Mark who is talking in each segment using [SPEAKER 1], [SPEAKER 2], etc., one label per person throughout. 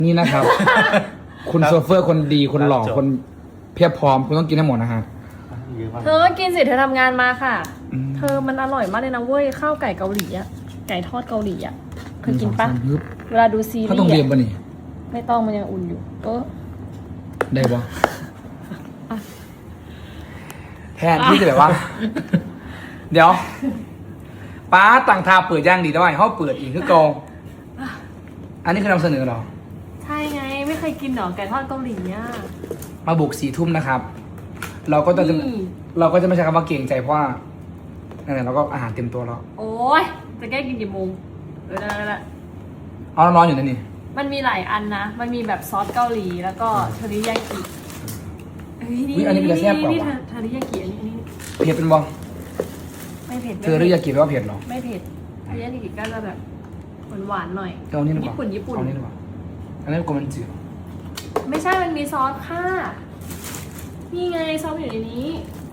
[SPEAKER 1] นี่นะครับ คุณโซเฟอร์คนดีคนหล่อคนเพียบพร้อมคุณต้องกินให้หมดนะฮะ
[SPEAKER 2] เธอก็กินสิเธอทำงานมาค่ะ เธอมันอร่อยมากเลยนะเว้ยข้าวไก่เกาหลีอะไก่ทอดเกาหลีอะเคยกินปะเวลาดูซีรีส์
[SPEAKER 1] เขาต้องเรียนป่ะนี่
[SPEAKER 2] ไม่ต้องมันยังอุ่นอยู่
[SPEAKER 1] ได้ปะแทนที่จะแบบว่า เดี๋ยวป้าต่างทาเปิดย่างดีได้เขาเปิดอีกคือกองอันนี้คือนำเสนอหรอ
[SPEAKER 2] ใช่ไงไม่เคยกินหรอไก่ทอดเกาหลีอะ
[SPEAKER 1] มาบุก4 ทุ่มนะครับ เราก็จะไม่ใช่คำว่าเก่งใจเพราะว่านั่นแหละเราก็อาหารเต็มตัวแล้ว
[SPEAKER 2] โอ้ยจะแก้กินกี่โมงนั่นแหละ
[SPEAKER 1] เอาร้อนๆอยู่นั่นนี่
[SPEAKER 2] มันมีหลายอันนะมันมีแบบซอสเกาหลีแล้วก็เทอริยากิ
[SPEAKER 1] อันนี้เป็นแซ่บกว่า
[SPEAKER 2] นี่
[SPEAKER 1] วะ
[SPEAKER 2] เทอริยากิอันนี้
[SPEAKER 1] เผ็ดเป็นบอ
[SPEAKER 2] ไม่เผ็ด
[SPEAKER 1] เธอหรืออยากกินว่าเผ็ดหรอ
[SPEAKER 2] ไม่เผ็ดเทอริยากิก็จะแบบหวานๆหน่อย
[SPEAKER 1] เอานี่ดีกว่า
[SPEAKER 2] ญี่ปุ่น
[SPEAKER 1] เอานี่ดีกว่าอันนี้กลัวมันจืด
[SPEAKER 2] ไม่ใช่มันมีซอสค่ะนี่ไงซอสอยู่ในนี้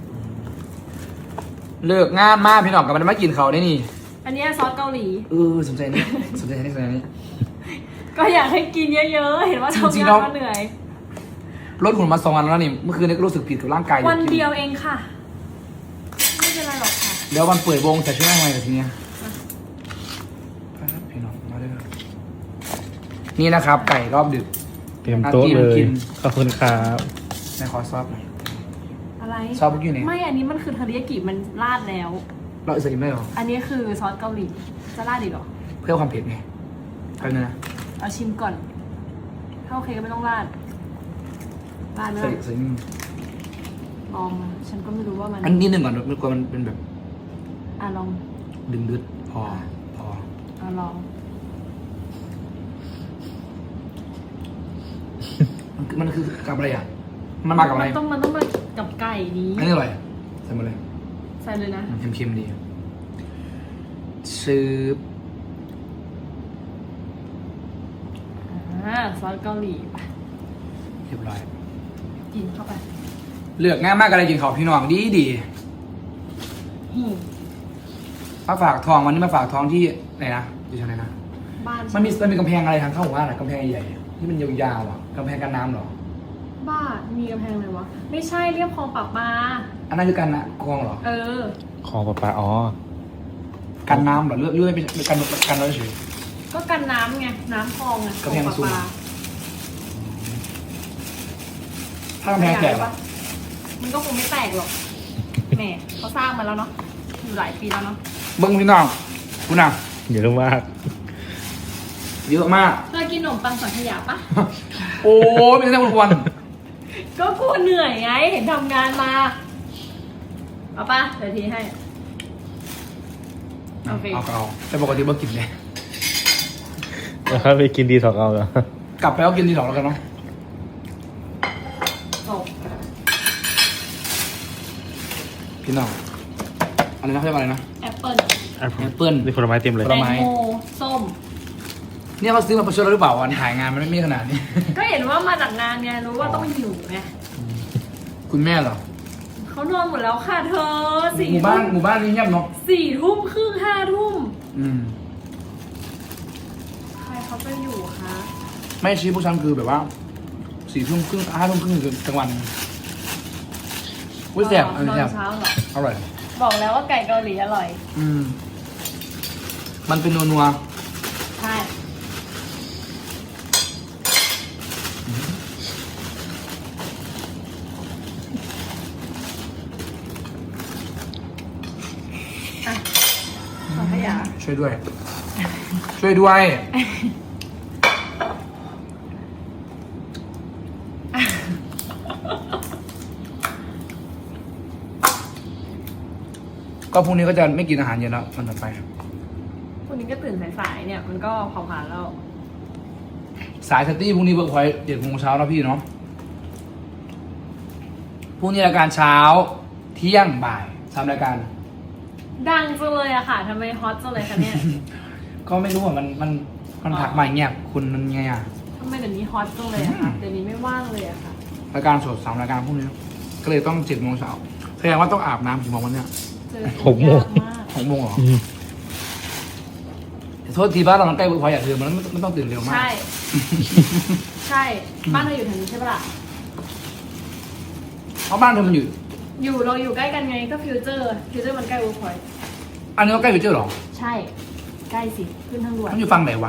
[SPEAKER 1] เลิกงานมากพี่หน่องกับมันมากินเขาได้นี่
[SPEAKER 2] อันนี้ซอสเกาหลี
[SPEAKER 1] สนใจนี่สนใจนี่สนใจนี่
[SPEAKER 2] ก็อยากให้กินเยอะๆเห็นว่า
[SPEAKER 1] จ
[SPEAKER 2] ทำ
[SPEAKER 1] ริงๆ
[SPEAKER 2] งา
[SPEAKER 1] เรา
[SPEAKER 2] นมาเหนื่อย
[SPEAKER 1] ลดหุ่นมา2 วันแล้วนี่เมื่อคืนนี้ก็รู้สึกผิดกับร่างกาย
[SPEAKER 2] วันเดียวเองค่ะไม่เป็นไรหรอกค่ะ
[SPEAKER 1] เดี๋ยววันเปิดวงจะช่วยอะไรกับทีเนี้ยพี่น้องมาด้วยนี่นะครับ ไก่รอบดึก
[SPEAKER 3] เตรียมโต๊ะเลย
[SPEAKER 1] กิน
[SPEAKER 3] ขอบคุณครับ
[SPEAKER 1] ในคอซอฟหน่อย
[SPEAKER 2] อะไร
[SPEAKER 1] ซอสเมื่อกี้นี่
[SPEAKER 2] ไม่อันนี้มันคือเทอริยากิมันราดแล้ว
[SPEAKER 1] เราอิสระกินได้หรอ
[SPEAKER 2] อันนี้คือซอสเกาหลีจะราดอีกเหรอ
[SPEAKER 1] เพื่อความเผ็ดไงไปบนึงนะ
[SPEAKER 2] เอาชิมก่อนถ้าโอเคก็ไม่ต้องราดราดไหม
[SPEAKER 1] ใส่นี่
[SPEAKER 2] ลองมาฉันก็ไม่รู้ว่ามัน
[SPEAKER 1] อันนี้หนึ่งก่อนมันกลัวมันเป็นแบบ
[SPEAKER 2] ลอง
[SPEAKER 1] ดึงดึดพอ
[SPEAKER 2] ลอง
[SPEAKER 1] มันคือกับอะไรอ่ะมันมากับอะไร
[SPEAKER 2] มันต้องมากับไก่นี้
[SPEAKER 1] อันนี้อร่อยใส่มาเลย
[SPEAKER 2] ใส่เลยนะ
[SPEAKER 1] เค็มๆดีซื้อ
[SPEAKER 2] ซอสเกาหลีไป
[SPEAKER 1] เรียบร้อย
[SPEAKER 2] กินเข้าไป
[SPEAKER 1] เลือกง่ายมากอะไรกินของพี่น้องดี
[SPEAKER 2] หิว
[SPEAKER 1] มาฝากทองวันนี้มาฝากทองที่ไหนนะอยู่ทางไหนนะ
[SPEAKER 2] บ้าน
[SPEAKER 1] มันมีกำแพงอะไรทางเข้าหมู่บ้านอะกำแพงใหญ่ๆที่มันยาวๆอ่ะกำแพงกันน้ำเหรอ
[SPEAKER 2] บ้านมีกำแพงเลยวะไม่ใช่เรียบคลองปากปลา
[SPEAKER 1] อันนั้นคือกันนะกองเหรอ
[SPEAKER 2] เออ
[SPEAKER 3] ของปลาอ๋อ
[SPEAKER 1] กันน้ำเหรอเลื่อยเป็นกันเราเฉย
[SPEAKER 2] ก็กันน้ำไงน้ำคลองไง
[SPEAKER 1] กำแพง
[SPEAKER 2] คลอ
[SPEAKER 1] สูง
[SPEAKER 2] ปลา
[SPEAKER 1] ถ้ากำแพงแตก
[SPEAKER 2] ปะ
[SPEAKER 1] อะ
[SPEAKER 2] มันก็คงไม่แตกหรอกแหมเขาสร้างมาแล้วเนาะอยู่หลายปีแล้วเนาะ
[SPEAKER 1] เบิ้งพี่น้องคุณน่ะ
[SPEAKER 3] เยอะมาก
[SPEAKER 1] เยอะมาก
[SPEAKER 2] เคยกินขนมปังสังขยาปะ
[SPEAKER 1] โอ้ยไม่ใช่วัน
[SPEAKER 2] ก็กูเหนื่อยไงเห็นทำงานมาเอาปะเดี๋ยวทีให้โอเค
[SPEAKER 1] เอาแต่ปกติเบิ้งกินเลย
[SPEAKER 3] แล้วค่อยไปกินดีถอกเอาเหรอก
[SPEAKER 1] ลับไปแล้วกินทีสองแล้วกันเนาะ
[SPEAKER 2] จบ
[SPEAKER 1] พี่น้องอะไรนะเขาเรียกว่าอะไรนะ
[SPEAKER 2] แอปเปิ้ล
[SPEAKER 3] แอป
[SPEAKER 1] แอปเปิ้ล
[SPEAKER 3] นี่ผลไม้เต็มเลย
[SPEAKER 1] ผ
[SPEAKER 2] แต
[SPEAKER 1] ล
[SPEAKER 2] ง
[SPEAKER 1] ไม้
[SPEAKER 2] โมส้ม
[SPEAKER 1] เนี่ยเขาซื้อมาประชดเราหรือเปล่าวันถ่ายงานมันไม่มีขนาดนี้
[SPEAKER 2] ก็เห็นว่ามาจากงานไงรู้ว่าต้องหิวไง
[SPEAKER 1] คุณแม่เหรอ
[SPEAKER 2] เขานอนหมดแล้วค่ะเธอสี่
[SPEAKER 1] หมู่บ้านนี่เงียบเนาะ
[SPEAKER 2] ทุ่มครึ่ง5 ทุ่ม
[SPEAKER 1] อืม
[SPEAKER 2] ใครเขาจะอยู่คะ
[SPEAKER 1] ไม่ชี้พวกฉันคือแบบว่า4 ทุ่มครึ่ง5 ทุ่มครึ่งคือกลางวันอุ้ยแซ่บอัน
[SPEAKER 2] น
[SPEAKER 1] นี้
[SPEAKER 2] อน
[SPEAKER 1] แซ่บ
[SPEAKER 2] เช้าเหรอ
[SPEAKER 1] อร่อย
[SPEAKER 2] บอกแล้วว่าไก่เกาหลีอร่อย
[SPEAKER 1] อืมมันเป็นนัว
[SPEAKER 2] ใช่อ่ะสังขยา
[SPEAKER 1] ๆช่วยด้วย ช่วยด้วยก็พรุ่งนี้ก็จะไม่กินอาหารเย็นแล้วมันต่อไป
[SPEAKER 2] วันนี้ก็ตื่นสายๆเนี่ย มันก็เผาผลาญแล้ว
[SPEAKER 1] สายสตี้พรุ่งนี้เบิร์กพอย7 โมงเช้าแล้วพี่เนาะพรุ่งนี้รายการเช้าเที่ยงบ่าย3 รายการ
[SPEAKER 2] ดังจังเลยอะค่ะทำไมฮอตจังเลยคะเนี่ย
[SPEAKER 1] ก็ไม่รู้ว่ามันถักมาอย่างเงี้ยคุณมันไงอ่ะ
[SPEAKER 2] ทำไมเดี๋ยวนี้ฮอตจังเลยอะค่ะเดี๋ยวนี้ไม่ว่างเลยอะค่ะ
[SPEAKER 1] รายการสด3 รายการพรุ่งนี้ก็เลยต้อง7 โมงเช้าแสดงว่าต้องอาบน้ำกี่โมงวันเนี้ย
[SPEAKER 2] เจอ
[SPEAKER 3] 6 โมง
[SPEAKER 2] ยากมาก
[SPEAKER 1] 6 โมงเหรอ
[SPEAKER 3] อืม
[SPEAKER 1] เดี๋ยวโททษทีบ้านเรามันใกล้เวิร์กพอยต์อย่างเดิมมันต้องตื่นเร็วมาก
[SPEAKER 2] ใช่ ใช่ บ้านเธออยู่ทางนี้ใช่ปะล่ะ
[SPEAKER 1] เพราะบ้านเธอมันอยู่
[SPEAKER 2] เราอยู่ใกล้กันไงก็ฟิวเจอร์มันใกล้เวิร์กพอยต์
[SPEAKER 1] อันนี้ก็ใกล้ฟิวเจอร์หรอ
[SPEAKER 2] ใช่ ใกล้สิ ขึ้นทางด่วน
[SPEAKER 1] มันอยู่ฝั่งไหนวะ